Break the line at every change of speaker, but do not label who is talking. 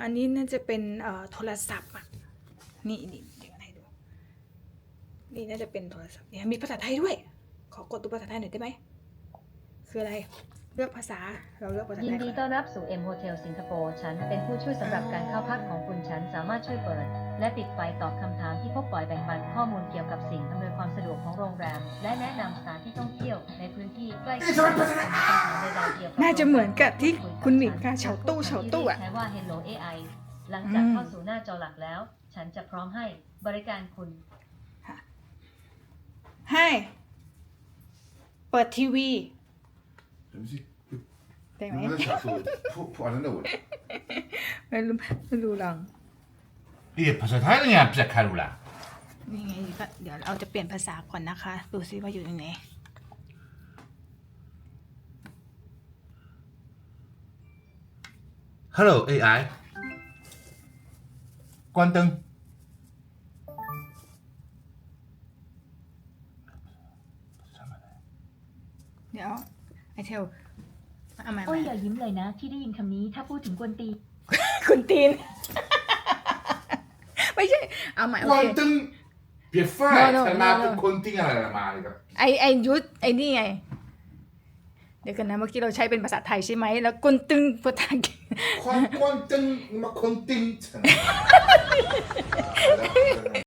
อันนี้น่าจะเป็นโทรศัพท์อ่ะนี่เดี๋ยวให้ดูนี่น่าจะเป็นโทรศัพท์เนี่ยมีภาษาไทยด้วยขอกดตัวภาษาไทยหน่อยได้ไหมคืออะไรเลือกภาษาเราเลือกภาษาไทย
ยินดีต้อนรับสู่ M Hotel สิงคโปร์ฉันเป็นผู้ช่วยสำหรับการเข้าพักของคุณฉันสามารถช่วยเปิดและปิดไฟตอบคำถามที่พบบ่อยแบ่งปันข้อมูลเกี่ยวกับสิ่งอำนวยความสะดวกของโรงแรมและแนะนำสถานที่ท่องเที่ยวในพื้นที่ใกล้เคียง
น่าจะเหมือนกับที่คุณหนิงค่ะเฉาตู้อ่ะ
ใช้ว่า Hello AI หลังจากเข้าสู่หน้าจอหลักแล้วฉันจะพร้อมให้บริการคุณ
ให้เปิดทีวีได้ไหมไม่รู้ลอง
ภาษาไทยเนี่ยภาษาคารุล่ะ
นี่ไงก็เดี๋ยวเราจะเปลี่ยนภาษาก่อนนะคะดูซิว่าอยู่ตรงไหน
ฮัลโหล AI กวนตึง
เดี๋ยวไอเทลเอามา
โอ้ยอย่ายิ้มเลยนะที่ได้ยินคำนี้ถ้าพูดถึงกวนตี
คุณตีนไม่ใช่เอาใหม่โอก
วน
เค
ตึงเปียฟ้าฉันมาเป็นคนติ้งอะไรมาเลยครับ
ไอยุทธไอนี่ไงเดี๋ยวกันนะเมื่อกี้เราใช้เป็นภาษาไทยใช่ไหมแล้วกุนตึงภาษาอังกฤษ
กวนตึงมาคนติ้งฉัน